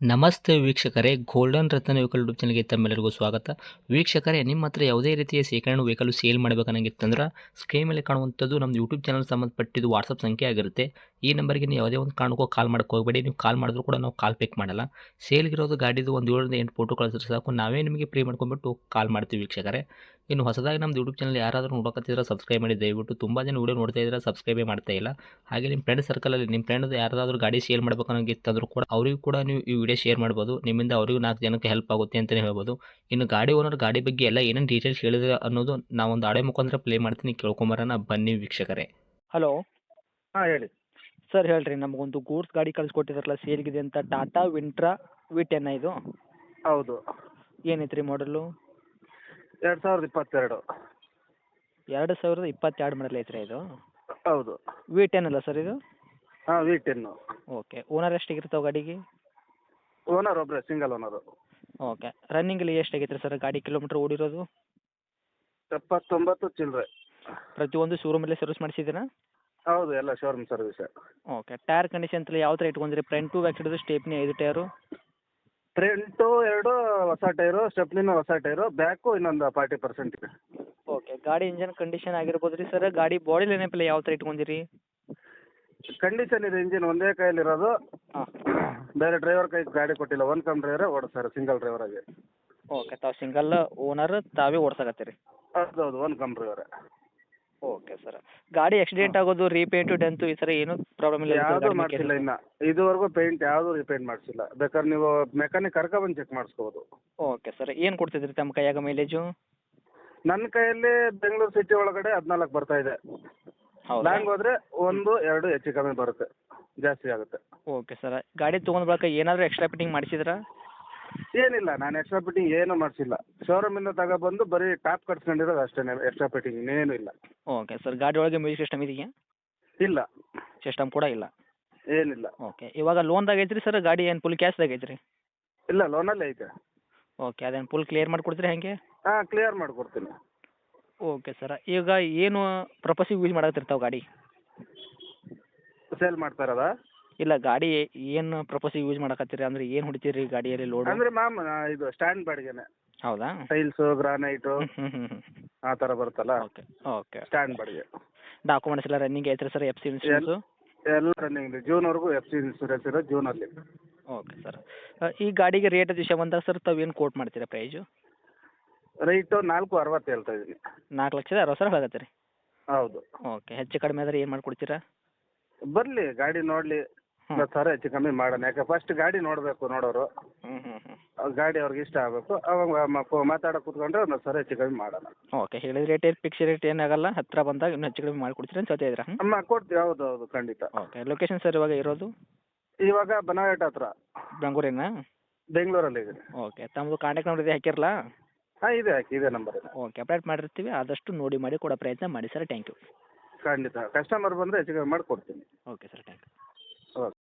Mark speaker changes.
Speaker 1: ನಮಸ್ತೆ ವೀಕ್ಷಕರೇ, ಗೋಲ್ಡನ್ ರತ್ನ vehicle YouTube ಚಾನಲ್ಗೆ ತಮ್ಮೆಲ್ಲರಿಗೂ ಸ್ವಾಗತ. ವೀಕ್ಷಕರೇ, ನಿಮ್ಮ ಹತ್ರ ಯಾವುದೇ ರೀತಿಯ ಶೇಖರಣೆ ವೆಹಿಕಲ್ ಸೇಲ್ ಮಾಡಬೇಕನ್ನಂಗಿತ್ತಂದ್ರೆ ಸ್ಕ್ರೀನ್ ಮೇಲೆ ಕಾಣುವಂಥದ್ದು ನಮ್ಮ ಯೂಟ್ಯೂಬ್ ಚಾನಲ್ ಸಂಬಂಧಪಟ್ಟಿದ್ದು ವಾಟ್ಸಪ್ ಸಂಖ್ಯೆ ಆಗಿರುತ್ತೆ. ಈ ನಂಬರ್ಗೆ ನೀವು ಯಾವುದೇ ಒಂದು ಕಾರಣಕ್ಕೂ ಕಾಲ್ ಮಾಡೋಕೆ ಹೋಗಬೇಡಿ. ನೀವು ಕಾಲ್ ಮಾಡಿದ್ರು ಕೂಡ ನಾವು ಕಾಲ್ ಪಿಕ್ ಮಾಡಲ್ಲ. ಸೇಲ್ಗಿರೋದು ಗಾಡಿದು ಒಂದು 7ರಿಂದ 8 ಫೋಟೋ ಕಳಿಸಿದ್ರೆ ಸಾಕು, ನಾವೇ ನಿಮಗೆ ಪ್ರೀ ಮಾಡ್ಕೊಂಡ್ಬಿಟ್ಟು ಕಾಲ್ ಮಾಡ್ತೀವಿ ವೀಕ್ಷಕರೇ. ಇನ್ನು ಹೊಸದಾಗಿ ನಮ್ಮದು ಯೂಟ್ಯೂಬ್ ಚಾನಲ್ ಯಾರಾದರೂ ನೋಡೋಕತ್ತಿದ್ರೆ ಸಬ್ಸ್ಕ್ರೈಬ್ ಮಾಡಿ ದಯವಿಟ್ಟು. ತುಂಬ ಜನ ವೀಡಿಯೋ ನೋಡ್ತಾ ಇದ್ದಾರೆ, ಸಬ್ಸ್ಕ್ರೈಬೇ ಮಾಡ್ತಾ ಇಲ್ಲ. ಹಾಗೆ ನಿಮ್ಮ ಫ್ರೆಂಡ್ ಸರ್ಕಲಲ್ಲಿ ನಿಮ್ಮ ಫ್ರೆಂಡ್ ಯಾರಾದರೂ ಗಾಡಿ ಸೇಲ್ ಮಾಡಬೇಕನ್ನೋಂಗಿತ್ತಂದ್ರೂ ಕೂಡ ಅವರಿಗೂ ಕೂಡ ನೀವು ಈ ವಿಡಿಯೋ ಶೇರ್ ಮಾಡ್ಬೋದು. ನಿಮ್ಮಿಂದ ಅವರಿಗೂ 4 ಜನಕ್ಕೆ ಹೆಲ್ಪ್ ಆಗುತ್ತೆ ಅಂತಲೇ ಹೇಳ್ಬೋದು. ಇನ್ನು ಗಾಡಿ ಓನರ್ ಗಾಡಿ ಬಗ್ಗೆ ಎಲ್ಲ ಏನೇನು ಡೀಟೇಲ್ಸ್ ಹೇಳಿದ್ರೆ ಅನ್ನೋದು ನಾವೊಂದು ಆಡಿಯೋ ಮುಖಾಂತರ ಪ್ಲೇ ಮಾಡ್ತೀನಿ, ಕೇಳ್ಕೊಂಬರೋಣ ಬನ್ನಿ ವೀಕ್ಷಕರೇ.
Speaker 2: ಹಲೋ
Speaker 1: ಹಾಂ ಹೇಳಿ.
Speaker 2: ಸರ್, ಹೇಳ್ರಿ. ನಮಗೊಂದು ಗೂಡ್ಸ್ ಗಾಡಿ ಕಳಿಸ್ಕೊಟ್ಟಿದ್ರಲ್ಲ ಸೇಲ್ಗಿದೆ ಅಂತ, ಟಾಟಾ ವಿಂಟ್ರಾ V10 ಇದು.
Speaker 1: ಹೌದು,
Speaker 2: ಏನೈತೆ ರೀ ಮಾಡಲು?
Speaker 1: 2022.
Speaker 2: 2022 ಮಾಡಲ್ ಐತ್ರಿ ಇದು?
Speaker 1: ಹೌದು.
Speaker 2: V10 ಅಲ್ಲ ಸರ್ ಇದು?
Speaker 1: ಹಾಂ, V10.
Speaker 2: ಓಕೆ. ಓನರ್ ಎಷ್ಟಾಗಿರ್ತಾವೆ ಗಾಡಿಗೆ?
Speaker 1: ಓನರ್ ಒಬ್ಬರೇ, ಸಿಂಗಲ್ ಓನರು.
Speaker 2: ಓಕೆ. ರನ್ನಿಂಗಲ್ಲಿ ಎಷ್ಟಾಗೈತೆ ರೀ ಸರ್ ಗಾಡಿ ಕಿಲೋಮೀಟ್ರ್ ಓಡಿರೋದು?
Speaker 1: 79 ಚಿಲ್ಲರೆ.
Speaker 2: ಪ್ರತಿಯೊಂದು ಶೋರೂಮಲ್ಲೇ ಸರ್ವಿಸ್ ಮಾಡಿಸಿದ್ದೀರಾ?
Speaker 1: ಹೌದು, ಎಲ್ಲ showroom service.
Speaker 2: Okay. Tyre condition ಎಲ್ಲ ಯಾವ ಥರ ಇಟ್ಕೊಂಡಿರಿ? Front back side stepney 5 tyre?
Speaker 1: Front 2 ಹೊಸ ಟೈರು, ಸ್ಟೆಪ್ನಿನೂ ಹೊಸ ಟೈರು, ಬ್ಯಾಕು ಇನ್ನೊಂದು 40% ಇದೆ.
Speaker 2: ಓಕೆ. ಗಾಡಿ ಇಂಜನ್ ಕಂಡೀಷನ್ ಆಗಿರ್ಬೋದು ರೀ ಸರ್. ಗಾಡಿ ಬಾಡಿ ಲೈನಪ್ಪೆಲ್ಲ ಯಾವ ಥರ ಇಟ್ಕೊಂಡಿರಿ?
Speaker 1: ಕಂಡೀಷನ್ ಇದೆ, ಇಂಜಿನ್ ಒಂದೇ ಕೈಯಲ್ಲಿರೋದು.
Speaker 2: ಹಾಂ.
Speaker 1: ಬೇರೆ ಡ್ರೈವರ್ ಕೈ ಗಾಡಿ ಕೊಟ್ಟಿಲ್ಲ, ಒನ್ ಕಮ್ ಡ್ರೈವರೇ ಓಡಿಸ್ತಾರೆ, ಸಿಂಗಲ್ ಡ್ರೈವರ್ ಆಗಿ.
Speaker 2: ಓಕೆ. ತಾವು ಸಿಂಗಲ್ ಓನರ್, ತಾವೇ ಓಡ್ಸಕತ್ತೀರಿ?
Speaker 1: ಹೌದು, ಒನ್ ಕಮ್ ಡ್ರೈವರೇ.
Speaker 2: Okay sir. ಗಾಡಿ ಆಕ್ಸಿಡೆಂಟ್ ಆಗೋದು, ರೀಪೇಂಟು, ಡೆಂತು ಈ ಥರ ಏನೂ ಪ್ರಾಬ್ಲಮ್ ಇಲ್ಲ?
Speaker 1: ಯಾವುದು ಮಾಡಿಸಿಲ್ಲ ಇನ್ನು ಇದುವರೆಗೂ, ಪೇಂಟ್ ಯಾವುದು ರಿಪೇಂಟ್ ಮಾಡಿಸಿಲ್ಲ. ಬೇಕಾದ್ರೆ ನೀವು ಮೆಕ್ಯಾನಿಕ್ ಕರ್ಕೊಬಂದು ಚೆಕ್ ಮಾಡಿಸ್ಕೋಬೋದು.
Speaker 2: Okay sir. ಏನು ಕೊಡ್ತಿದ್ರಿ ತಮ್ಮ ಕೈಯಾಗ ಮೈಲೇಜು?
Speaker 1: ನನ್ನ ಕೈಯಲ್ಲಿ ಬೆಂಗಳೂರು ಸಿಟಿ ಒಳಗಡೆ 14 ಬರ್ತಾ ಇದೆ.
Speaker 2: ಹೌದಾ?
Speaker 1: ಲಾಂಗ್ ಹೋದರೆ 1, 2 ಹೆಚ್ಚು ಕಮ್ಮಿ ಬರುತ್ತೆ, ಜಾಸ್ತಿ ಆಗುತ್ತೆ.
Speaker 2: Okay sir. ಗಾಡಿ ತೊಗೊಂಡ್ ಬಳಿಕ ಏನಾದರೂ ಎಕ್ಸ್ಟ್ರಾ ಫಿಟ್ಟಿಂಗ್ ಮಾಡಿಸಿದ್ರಾ?
Speaker 1: ಏನಿಲ್ಲ, ನಾನು ಎಕ್ಸ್ಟ್ರಾ ಫಿಟ್ಟಿಂಗ್ ಏನೂ ಮಾಡಿಸಿಲ್ಲ. ಶೋರೂಮಿಂದ ತಗೊಬಂದು ಬರೀ ಟಾಪ್ ಕಟ್ಸ್ಕೊಂಡಿರೋದು ಅಷ್ಟೇ, ಎಕ್ಸ್ಟ್ರಾ ಫಿಟ್ಟಿಂಗ್ ಇನ್ನೇನು ಇಲ್ಲ.
Speaker 2: Okay sir. ಗಾಡಿ ಒಳಗೆ ಮ್ಯೂಸಿಕ್ ಸಿಸ್ಟಮ್ ಇದೆಯಾ?
Speaker 1: ಇಲ್ಲ,
Speaker 2: ಸಿಸ್ಟಮ್ ಕೂಡ ಇಲ್ಲ?
Speaker 1: ಏನಿಲ್ಲ.
Speaker 2: ಓಕೆ. ಇವಾಗ ಲೋನ್ದಾಗ ಐತ್ರಿ ಸರ್ ಗಾಡಿ, ಏನು ಫುಲ್ ಕ್ಯಾಶ್ದಾಗ ಐತ್ರಿ?
Speaker 1: ಇಲ್ಲ, ಲೋನಲ್ಲೇ ಐತೆ.
Speaker 2: ಓಕೆ. ಅದೇನು ಫುಲ್ ಕ್ಲಿಯರ್ ಮಾಡಿಕೊಡ್ತೀರಿ ಹೇಗೆ?
Speaker 1: ಹಾಂ, ಕ್ಲಿಯರ್ ಮಾಡಿಕೊಡ್ತೀನಿ.
Speaker 2: Okay sir. ಈಗ ಏನು ಪರ್ಪಸಿಗೆ ಯೂಸ್ ಮಾಡಕತ್ತಿರ್ತಾವೆ ಗಾಡಿ?
Speaker 1: ಸೇಲ್ ಮಾಡ್ತಾ ಇರೋದಾ?
Speaker 2: ಇಲ್ಲ, ಗಾಡಿ ಏನು ಪರ್ಪಸಿಗೆ ಯೂಸ್ ಮಾಡಕತ್ತೀರಿ ಅಂದರೆ ಏನು ಹೊಡಿತೀರಿ ಗಾಡಿಯಲ್ಲಿ ಲೋಡು?
Speaker 1: ಅಂದರೆ ಇದು ಸ್ಟ್ಯಾಂಡ್ ಬಾಡಿಗೆನೆ.
Speaker 2: ಹೌದಾ?
Speaker 1: ಟೈಲ್ಸು, ಗ್ರಾನೈಟು
Speaker 2: ಹ್ಞೂ.
Speaker 1: ಆ ಥರ ಬರುತ್ತಲ್ಲ,
Speaker 2: ಓಕೆ. ಓಕೆ.
Speaker 1: ಸ್ಟ್ಯಾಂಡ್ ಬಾಡಿಗೆ.
Speaker 2: ಡಾಕ್ಯುಮೆಂಟ್ಸ್ ಎಲ್ಲ ರನ್ನಿಂಗ್ ಐತ್ರಿ ಸರ್? FC insurance?
Speaker 1: ಎಲ್ಲ ರನ್ನಿಂಗ್ ಇದೆ. ಜೂನ್ವರೆಗೂ FC ಇನ್ಸೂರೆನ್ಸ್ ಇರೋದು, ಜೂನಲ್ಲಿ.
Speaker 2: Okay sir. ಈ ಗಾಡಿಗೆ ರೇಟ್ ವಿಷಯ ಬಂದಾಗ ಸರ್, ತಾವು ಏನು ಕೋಟ್ ಮಾಡ್ತೀರಾ ಪ್ರೈಜು?
Speaker 1: ರೈಟು 4.60 ಹೇಳ್ತಾ ಇದ್ದೀನಿ.
Speaker 2: 4,60,000 ಹೇಳಕತ್ತೀರಿ?
Speaker 1: ಹೌದು.
Speaker 2: ಓಕೆ. ಹೆಚ್ಚು ಕಡಿಮೆ ಆದರೆ ಏನು ಮಾಡಿಕೊಡ್ತೀರಾ?
Speaker 1: ಬರಲಿ, ಗಾಡಿ ನೋಡಲಿ, 10,000 ಹೆಚ್ಚು ಕಮ್ಮಿ ಮಾಡೋಣ. ಯಾಕೆ ಫಸ್ಟ್ ಗಾಡಿ ನೋಡಬೇಕು ನೋಡೋರು. ಗಾಡಿ ಅವ್ರಿಗೆ ಇಷ್ಟ ಆಗಬೇಕು, ಅವಾಗ ಮಾತಾಡೋಕೆ ಕೂತ್ಕೊಂಡ್ರೆ 10,000 ಹೆಚ್ಚು ಕಮ್ಮಿ ಮಾಡೋಣ.
Speaker 2: ಓಕೆ. ಹೇಳಿದ ರೇಟ್ ಏನು ಫಿಕ್ಸ್ ರೇಟ್ ಏನಾಗಲ್ಲ, ಹತ್ತಿರ ಬಂದಾಗ ಇನ್ನೂ ಹೆಚ್ಚು ಕಡಿಮೆ ಮಾಡಿಕೊಡ್ತೀರಾ ಅಂತ ಹೇಳ್ತಾ ಇದ್ದೀರಾ?
Speaker 1: ಅಮ್ಮ ಕೊಡ್ತೀವಿ, ಹೌದು ಹೌದು, ಖಂಡಿತ.
Speaker 2: ಓಕೆ. ಲೊಕೇಶನ್ ಸರ್ ಇವಾಗ ಇರೋದು?
Speaker 1: ಇವಾಗ ಬನವಾಟ ಹತ್ರ,
Speaker 2: ಬೆಂಗಳೂರಿನ?
Speaker 1: ಬೆಂಗಳೂರಲ್ಲಿ ಇದೆ.
Speaker 2: ಓಕೆ. ತಮ್ಮದು ಕಾಂಟ್ಯಾಕ್ಟ್ ನಂಬರ್ ಇದೆ, ಹಾಕಿರಲಾ?
Speaker 1: ಹಾಂ, ಇದೆ, ಹಾಕಿ, ಇದೇ ನಂಬರ್ ಇದೆ.
Speaker 2: ಓಕೆ. ಅಪ್ಡೇಟ್ ಮಾಡಿರ್ತೀವಿ, ಆದಷ್ಟು ನೋಡಿ ಮಾಡಿ ಕೊಡೋ ಪ್ರಯತ್ನ ಮಾಡಿ ಸರ್. Thank you.
Speaker 1: ಖಂಡಿತ, ಕಸ್ಟಮರ್ ಬಂದರೆ ಹೆಚ್ಚು ಕಮ್ಮಿ ಮಾಡಿ ಕೊಡ್ತೀನಿ.
Speaker 2: Okay sir, thank you.
Speaker 1: Okay.